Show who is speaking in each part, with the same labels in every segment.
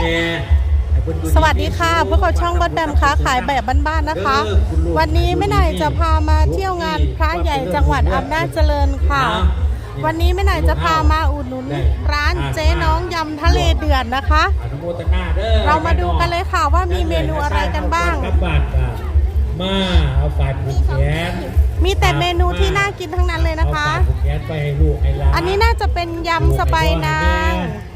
Speaker 1: สวัสดีค่ะพวกเราช่องบดแบมค้าขายแบบบ้านๆนะคะวันนี้แม่หน่อยจะพามาเที่ยวงานพระใหญ่จังหวัดอำนาจเจริญค่ะวันนี้แม่หน่อยจะพามาอุดหนุนร้านเจ๊น้องยำทะเลเดือดนะคะเรามาดูกันเลยค่ะว่ามีเมนูอะไรกันบ้าง
Speaker 2: มาเอาฝาดผูกแขน
Speaker 1: มีแต่เมนูที่น่ากินทั้งนั้นเลยนะคะอันนี้น่าจะเป็นยำสไปนาง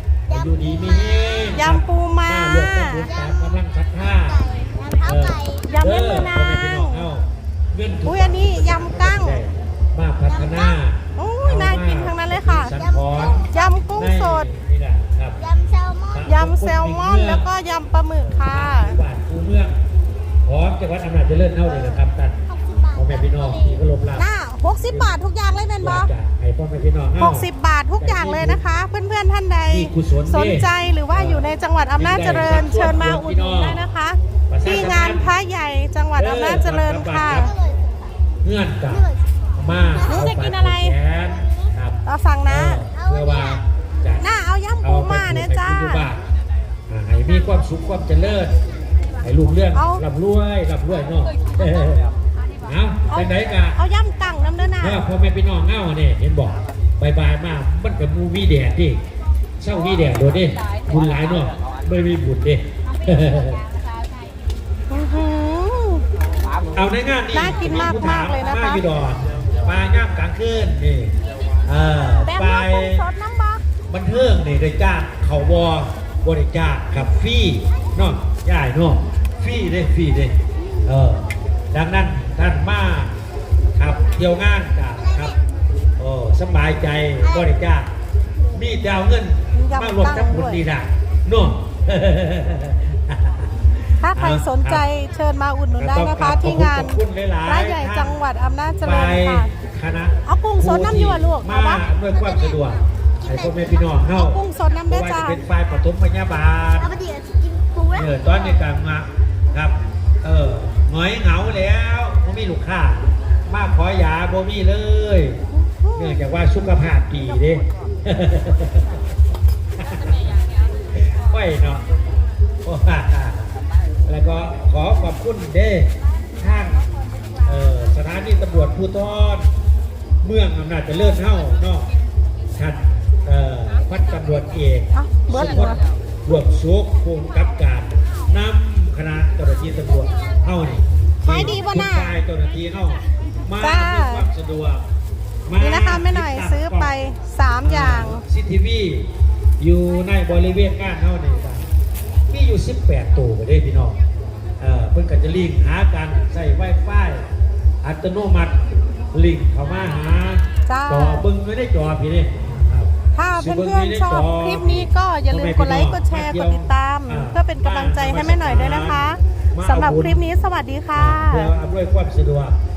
Speaker 1: ยำปูม้าก
Speaker 2: ำลังคัดท่าย
Speaker 1: ำแม่มือนางอุ้ยอันนี้ยำกั้ง
Speaker 2: มาพัฒนา
Speaker 1: โอ้ยน่ากินทั้งนั้นเลยค่ะยำกุ้งสดยำแซลมอนแล้วก็ยำปลาหมึกค่ะ
Speaker 2: คูเมืองพร้อมจังหวัดอำนาจเจริญเท่าเลยนะครับท่านพ่อแม่พี่น้องที่ก็ลบลา
Speaker 1: 60 บาททุกอย่างเลยแม่นบอ
Speaker 2: ให้พ่อแม่พี่น้อง
Speaker 1: 60 บาททุกอย่างเลยนะคะเพื่อนๆท่านใดสนใจหรือว่าอยู่ในจังหวัดอำนาจเจริญเชิญมาอุดหนุนได้นะคะที่งานพระใหญ่จังหวัดอำนาจเจริญค่ะ
Speaker 2: เงื่อนกับมา
Speaker 1: จะกินอะไรเราสั่งนะ
Speaker 2: เพื่อว่า
Speaker 1: น่าเอายำปูม้าเนี่ยจ้า
Speaker 2: ให้มีความสุขความเจริญให้ลูกเรื่องร่ำรวยเนาะเอาไปไหนกัน
Speaker 1: เอายำกั้งน้ำเด้อนะ
Speaker 2: พอแม่พี่น้องเงาเนี่ยเห็นบอกบายมากมันกับมูวี่แดดดิเช่าวี่แดดโดดดิบุญหลายเนาะไม่มีบุญดิเอาในงานนี้
Speaker 1: น่ากินมากเลยนะคะ
Speaker 2: พี่ดอนปลาย่างกลางคืนนี่ปลาบันเทิงนี่ได้จ้างเขาบริจาคกับฟรีเนาะใหญ่เนาะฟรีได้ดังนั้นท่านมาครับเที่ยวงานครับสบายใจบริจาคมีดาวเงินมารวมทั้งบุญดีนะเนาะ
Speaker 1: ถ้าใครสนใจเชิญมาอุดหนุนได้นะคะที่งานพระใหญ่จังหวัดอำนาจเจริญค่ะเอากุ้งสดน้ำยั่วลูก
Speaker 2: มาด้วยความสะดวกให้พ่อแม่พี่น้อง
Speaker 1: เอากุ้งสดน้ำได้จ้า
Speaker 2: เป็นฝ่ายปฐมพยาบาลตอนในการมาครับหงอยเหงาแล้วบ่มีลูกค้ามาขอยาบ่มีเลยเนื่องจากว่าสุขภาพดีเด้ไม่เนาะแล้วก็ขอขอบคุณเด้ทางสถานีตำรวจภูธรเมืองอำนาจเจริญเท่าเนาะท่านพันตำรวจเอกสุพจน์รวมสุขภูมิกับการนำคณะเจ้าหน้าที่ตำรวจเท่านี่
Speaker 1: ขายดีบ่น่า
Speaker 2: เจ้าหน้าที่เท่ามาความสะดวก
Speaker 1: นี่นะคะแม่หน่อยซื้อไป3อย่าง
Speaker 2: ซีทีวีอยู่ในบริเวณงานเท่านี้มีอยู่18ตัวไปได้พี่น้องเพิ่งกันจะลิงหากันใส่ไวไฟอัตโนมัติลิงเข้ามาหาจอบึ้งไม่ได้จอพี่นี่
Speaker 1: ถ้าเพื่อนๆชอบคลิปนี้ก็อย่าลืมกดไลค์กดแชร์กดติดตามเพื่อเป็นกำลังใจให้แม่หน่อยด้วยนะคะสำหรับคลิปนี้สวัสดีค่ะ
Speaker 2: เพื่ออำนวยความสะดวก